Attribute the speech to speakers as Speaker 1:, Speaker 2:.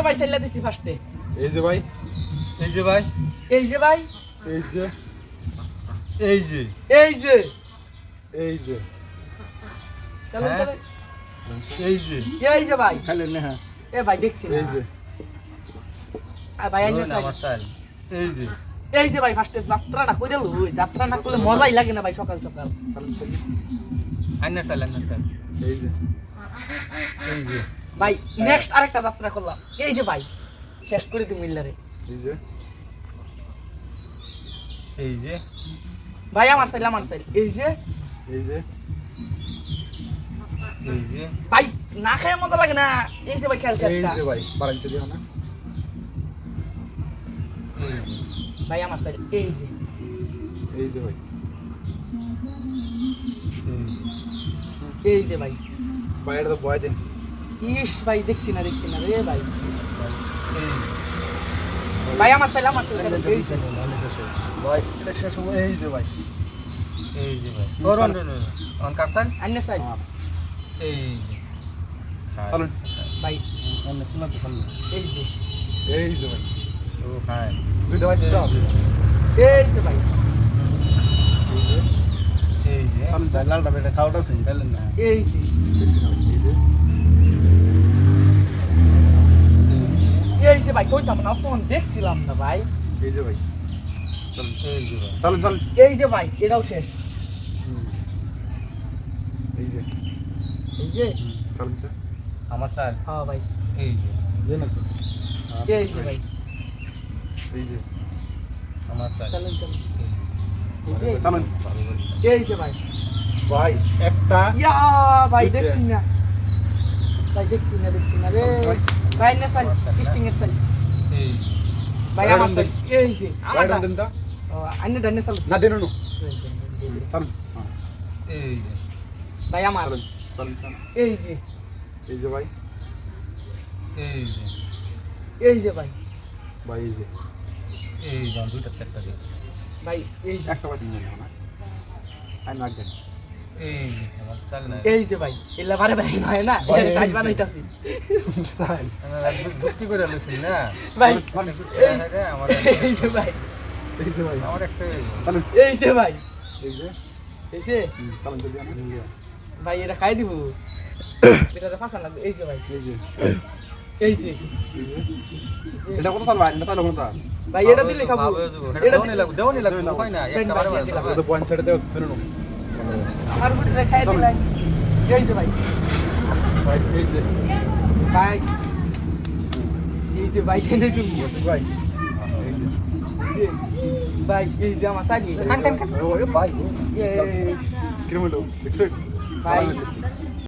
Speaker 1: ভাই সেল্লা দিছি ফার্স্টে
Speaker 2: এই যে ভাই
Speaker 3: এই যে ভাই
Speaker 1: এই যে ভাই
Speaker 2: এই যে
Speaker 3: এই যে
Speaker 1: এই যে
Speaker 2: এই যে
Speaker 1: চলেন
Speaker 3: হ্যাঁ।
Speaker 1: চলেন
Speaker 3: এই যে
Speaker 1: এই যে ভাই
Speaker 2: খাইলেন না হ্যাঁ
Speaker 1: এ ভাই দেখছি না
Speaker 2: এই যে
Speaker 1: ভাই আইনে
Speaker 3: ধরুন আমার চাল এই যে
Speaker 1: এই যে ভাই ফার্স্টে যাত্রাটা কইরা লই যাত্রা না করলে মজাই লাগে না ভাই সকাল সকাল
Speaker 3: আইনার চাল
Speaker 2: এই যে
Speaker 3: এই যে
Speaker 1: ভাই নেক্সট আরেকটা যাত্রা করলাম এই যে ভাই শেষ করে দিই মিল্লারে
Speaker 2: এই যে
Speaker 3: এই যে
Speaker 1: ভাই আমার চাইল এই যে
Speaker 2: এই যে
Speaker 3: এই যে
Speaker 1: ভাই না খেয়ে মজা লাগে না এই যে ভাই খেয়াল
Speaker 2: এই যে ভাই বাড়াইছে দিও না
Speaker 1: ভাই আমার চাইল এই যে
Speaker 2: এই যে ভাই
Speaker 1: এই যে ভাই
Speaker 2: বাইরে তো বয় দেন
Speaker 1: ইস ভাই দেখছি না রে ভাই
Speaker 3: এই
Speaker 1: ভাই আমার চাইল এই যে
Speaker 2: ভাই এটা শেষ হবে এই যে ভাই
Speaker 3: এই যে ভাই করুন অন কাটছেন
Speaker 1: আইনে চাইল
Speaker 3: এই যে
Speaker 2: চলুন
Speaker 1: ভাই
Speaker 3: অন শোনা তো শুনুন
Speaker 1: এই যে
Speaker 2: এই যে ভাই
Speaker 3: ও হাই
Speaker 2: দুইটা ভাই স্টপ
Speaker 1: এই যে ভাই
Speaker 3: এই যে
Speaker 2: চলুন চাই লালটা বেটা খাওয়াটা আছে খাইলেন না
Speaker 1: এই যে
Speaker 2: দেখছি না এই যে
Speaker 1: এই যে ভাই কইতাম না তখন দেখছিলাম না ভাই
Speaker 2: এই যে ভাই চলুন
Speaker 3: এই যে ভাই
Speaker 2: চলুন চলুন
Speaker 1: এই যে ভাই এটাও শেষ
Speaker 2: এই যে
Speaker 1: এই যে
Speaker 2: চলুন স্যার
Speaker 3: আমার চাল
Speaker 1: হ্যাঁ ভাই
Speaker 3: এই যে
Speaker 2: দেন না
Speaker 1: এই যে ভাই
Speaker 2: এই যে
Speaker 3: আমার চাল
Speaker 1: চলুন চলুন এই যে
Speaker 2: চলুন
Speaker 1: এই যে ভাই
Speaker 2: ভাই একটা
Speaker 1: ইয়া ভাই
Speaker 2: দুইটা।
Speaker 1: দেখছি না রে
Speaker 2: ভাই।
Speaker 1: ভাই না চাই টেস্টিং এর চাই
Speaker 3: এই
Speaker 1: ভাই আমার চাই এই যে আমার
Speaker 2: বাইরে দেন তো
Speaker 1: আইনে ডানে চাল
Speaker 2: না দেন না চলুন
Speaker 3: এই যে
Speaker 1: ভাই আমার
Speaker 2: চলুন চলুন চলুন
Speaker 1: এই যে
Speaker 2: এই যে ভাই
Speaker 3: এই যে
Speaker 1: এই যে ভাই
Speaker 2: ভাই এই যে
Speaker 3: এই যে দুইটা চারটা দিয়ে
Speaker 1: ভাই এই যে
Speaker 2: একটা ভাই দিন না আই না দেন
Speaker 3: এই যে আমার চাল না
Speaker 1: এই যে ভাই এলা বারে বারে নয় না
Speaker 2: ভাই,
Speaker 1: এটা কাজ
Speaker 2: এই যে।
Speaker 1: বানাইতাছি
Speaker 2: স্টাইল
Speaker 3: আমি যুক্তি করে লইছি না
Speaker 1: ভাই
Speaker 3: আমার
Speaker 1: এই যে ভাই
Speaker 2: এই যে ভাই
Speaker 3: আমার একটা
Speaker 2: চলুন
Speaker 1: এই যে ভাই
Speaker 2: এই যে
Speaker 1: এই যে
Speaker 2: চলুন জলদি আনা
Speaker 1: ভাই এটা খাই দিব এটাতে ফাঁসা লাগবে এই যে ভাই
Speaker 2: এই যে
Speaker 1: এই যে
Speaker 2: এই যে এটা কত সাল ভাই এটা সাল কত
Speaker 1: ভাই এটা দিলে খাবো এটা
Speaker 3: দেওনি লাগবে কই না একটা বারে বারে
Speaker 2: এটা পয়েন্ট ছেড়ে দাও ফেরনো
Speaker 1: আমার বুটিটা খাই দিলাই এই যে ভাই
Speaker 2: ভাই এই যে
Speaker 1: ভাই এই যে ভাই এনে তুমি
Speaker 2: বসে ভাই এই যে
Speaker 1: ভাই এই যে আমার সাইড
Speaker 3: খান খান খান
Speaker 2: ওরে ভাই
Speaker 1: এই
Speaker 2: কিরম হলো দেখছো
Speaker 1: ভাই